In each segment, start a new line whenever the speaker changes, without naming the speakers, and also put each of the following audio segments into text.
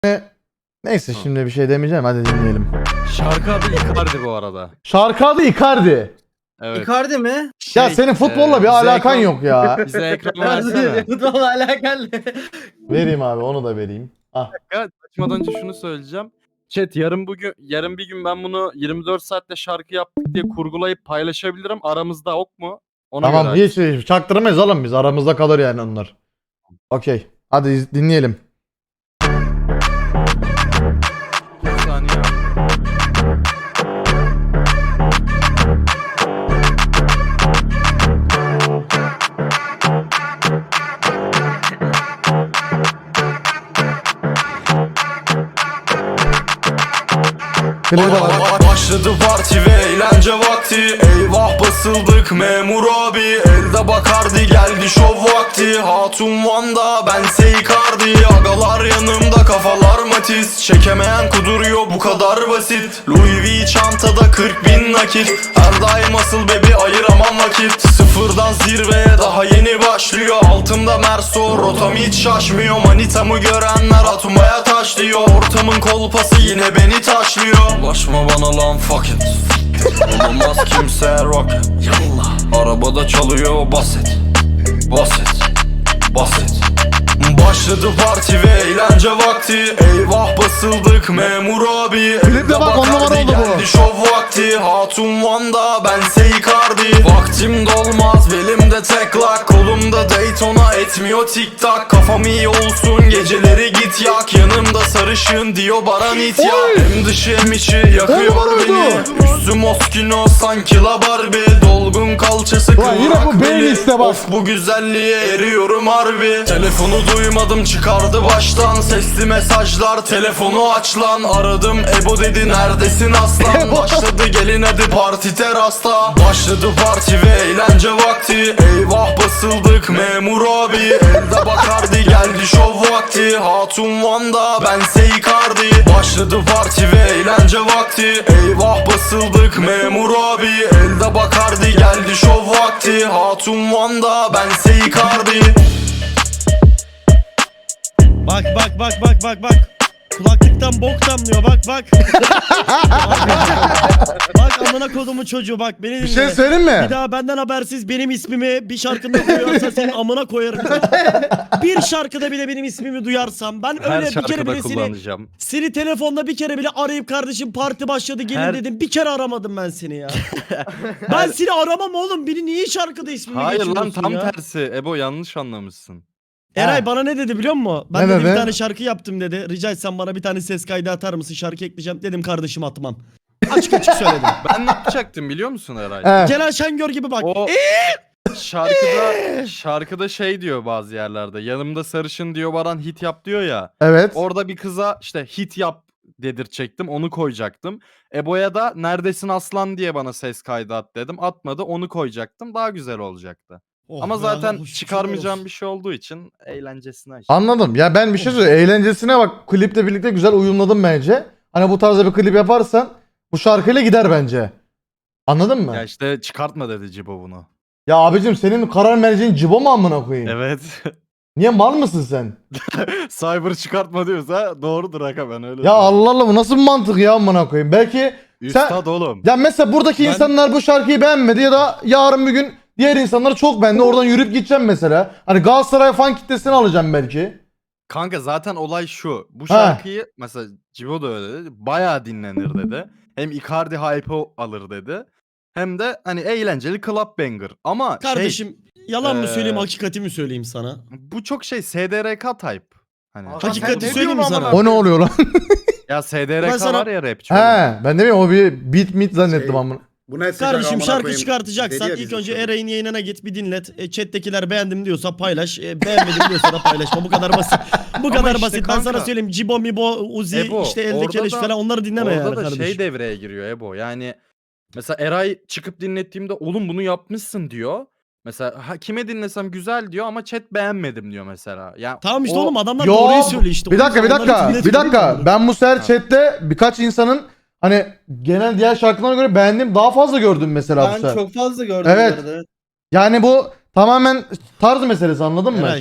Neyse şimdi bir şey demeyeceğim, hadi dinleyelim.
Şarkı adı Icardi bu arada.
Şarkı adı Icardi.
Evet.
Icardi mi?
Ya senin futbolla bir
bize
alakan
ekran-
yok ya.
Bize ekran versene.
Futbolla alakalı.
Vereyim abi, onu da vereyim. Ah.
Açmadan önce şunu söyleyeceğim. Chat yarın bir gün ben bunu 24 saatte şarkı yaptık diye kurgulayıp paylaşabilirim. Aramızda ok mu? Ona
Tamam,
göre
hiç çaktırmayız oğlum biz. Aramızda kalır yani onlar. Okey. Hadi dinleyelim.
bir saniye.
Klibi bak.
Başladı parti ve eğlence vakti. Eyvah basıldık memur abi. Elde Bakardi geldi şov vakti. Hatun Van'da bense Icardi. Agalar yanımda kafalar matiz. Çekemeyen kuduruyor bu kadar basit. Louis V çantada 40.000 nakit. Her daim asıl bebi ayıramam vakit. Sıfırdan zirveye daha yeni başlıyor. Altımda Merso rotam hiç şaşmıyor. Manitamı görenler atmaya taşlıyor. Ortamın kolpası yine beni taşlıyor. Ulaşma bana lan fuck it. Olamaz kimse rocket. Yallah. Arabada çalıyor basit. Basit. Basit. Başladı parti ve eğlence vakti. Eyvah basıldık memur abi.
Klipte bak, on numara oldu bu.
Geldi şov vakti. Hatun Van'da bense Icardi. Vaktim dolmaz belimde tek lak. Kolumda Daytona etmiyor tik tak. Kafam iyi olsun geceleri git yak. Yanımda sarışın diyor bana nit ya. Hem dışı hem içi yakıyor beni. Üstüm Moskino sanki la Barbie. Dolgun kalçası
Ulan yine bu
kıvrak beli.
playliste bak.
Of bu güzelliğe eriyorum harbi. Telefonu duymadım çıkardı baştan. Sesli mesajlar telefonu aç lan. Aradım Ebo dedi neredesin aslan. Başladı gelin hadi parti terasta. Başladı parti ve eğlence vakti. Eyvah basıldık memur abi. Elde Bakardi geldi şov vakti. Hatun Van'da bense Icardi. Başladı parti ve eğlence vakti. Eyvah basıldık memur abi. Elde Bakardi geldi şov vakti. Hatun Van'da bense Icardi.
Bak. Kulaklıktan bok damlıyor bak. Bak amına kodumun çocuğu bak beni dinle.
Bir şey söyleyeyim mi?
Bir daha benden habersiz benim ismimi bir şarkında koyarsa senin amına koyarım. Bir şarkıda bile benim ismimi duyarsam ben
Her
öyle bir kere
şarkıda
bile
kullanacağım.
seni telefonda bir kere bile arayıp kardeşim parti başladı gelin dedim. Bir kere aramadım ben seni ya. Ben seni aramam oğlum. Beni niye şarkıda ismimi
Hayır lan
geçiriyorsun
tam
ya?
tersi. Ebo yanlış anlamışsın.
Eray bana ne dedi biliyor musun? Ben
Ne
dedi bir
dedi?
tane şarkı yaptım dedi. Rica etsem bana bir tane ses kaydı atar mısın? Şarkı ekleyeceğim. Dedim kardeşim atmam. Açık açık söyledim.
Ben ne yapacaktım biliyor musun Eray?
He.
Celal Şengör gibi bak.
O şarkıda şey diyor bazı yerlerde. Yanımda sarışın diyor Baran hit yap diyor ya.
Evet.
Orada bir kıza işte hit yap dedirtecektim. Onu koyacaktım. Ebo'ya da neredesin aslan diye bana ses kaydı at dedim. Atmadı, onu koyacaktım. Daha güzel olacaktı.
Oh
Ama
be,
zaten
Allah, şükürler
çıkarmayacağım
olsun.
bir şey olduğu için eğlencesine işte.
Anladım. Ya ben bir şey söyleyeyim. Eğlencesine bak. Kliple birlikte güzel uyumladım bence. Hani bu tarzda bir klip yaparsan bu şarkıyla gider bence. Anladın mı?
Ya işte çıkartma dedi Cibo bunu.
Ya abicim senin karar merceğin Cibo mu amına koyayım?
Evet.
Niye mal mısın sen?
Cyber çıkartma diyorsa doğrudur aga, ben öyle
Ya
diyorum.
Allah Allah, bu nasıl bir mantık ya amına koyayım? Belki
Üstad oğlum.
ya mesela buradaki insanlar bu şarkıyı beğenmedi ya da yarın bir gün diğer insanlar çok beğendi. Oradan yürüyüp gideceğim mesela. Hani Galatasaray fan kitlesini alacağım belki.
Kanka zaten olay şu. Bu şarkıyı mesela Cibo da öyle dedi. Bayağı dinlenir dedi. Hem Icardi hype'ı alır dedi. Hem de hani eğlenceli club banger. Ama
Kardeşim yalan mı söyleyeyim
eee,
hakikati mi söyleyeyim sana?
bu çok şey SDRK type. Hani
Hakikati söyleyeyim mi sana?
O ne oluyor lan?
ya
Ben
SDRK
sana-
var ya rapçi. oğlum.
He, ben de bilmiyorum, o bir beat meet zannettim
Şey,
amına.
Bu ne sıcak
Kardeşim
amına
şarkı
koyayım.
çıkartacaksan
Dedi ya
ilk
bizim
önce
çocuk.
Eray'ın yayınına git bir dinlet. Chat'tekiler beğendim diyorsa paylaş. Beğenmedim diyorsa da paylaşma. Bu kadar basit. Bu
Ama
kadar
işte
basit. Ben
kanka-
sana söyleyeyim. Cibo, Mibo, Uzi,
Ebo,
işte elde
orada
keleş
da-
falan onları dinleme yani
Orada da
kardeşim.
şey devreye giriyor Ebo. Yani mesela Eray çıkıp dinlettiğimde oğlum bunu yapmışsın diyor. Mesela kime dinlesem güzel diyor ama chat beğenmedim diyor mesela. Ya
Tamam işte
o-
oğlum adamlar
Yo,
doğruyu söylüyor işte.
bir
O
dakika
yüzden onları
bir
dinletiyorum
dakika.
onları.
Ben bu sefer chatte birkaç insanın hani genel diğer şarkılara göre beğendiğim daha fazla gördüm mesela bu
Ben
sefer.
çok fazla gördüm
Evet.
bu arada.
Yani bu tamamen tarz meselesi, anladın mı?
Eray.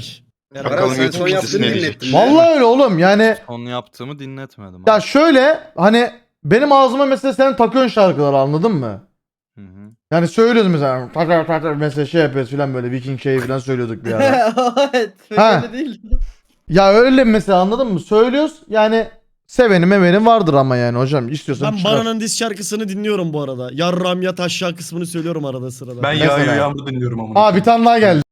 Merhaba.
Baran
Bakalım
sen
YouTube
son yaptığını
kitlesi ne
dinlettin. mi?
Vallahi öyle oğlum yani.
Onu yaptığımı dinletmedim.
Ya
abi.
şöyle hani benim ağzıma mesela sen takıyorsun şarkıları, anladın mı?
Hı hı.
Yani söylüyoruz mesela takar mesela şey yapıyoruz filan, böyle Viking şeyi filan söylüyorduk bir ara.
Evet.
Ha.
Öyle değil.
Ya öyle mesela, anladın mı? Söylüyoruz yani, seveni mevenin vardır ama yani hocam istiyorsan
Ben
çıkar.
Baran'ın diss şarkısını dinliyorum bu arada. Yarram yat aşağı kısmını söylüyorum arada sırada.
Ben
Mesela.
yağmur dinliyorum ama.
Aa bir tane daha geldi.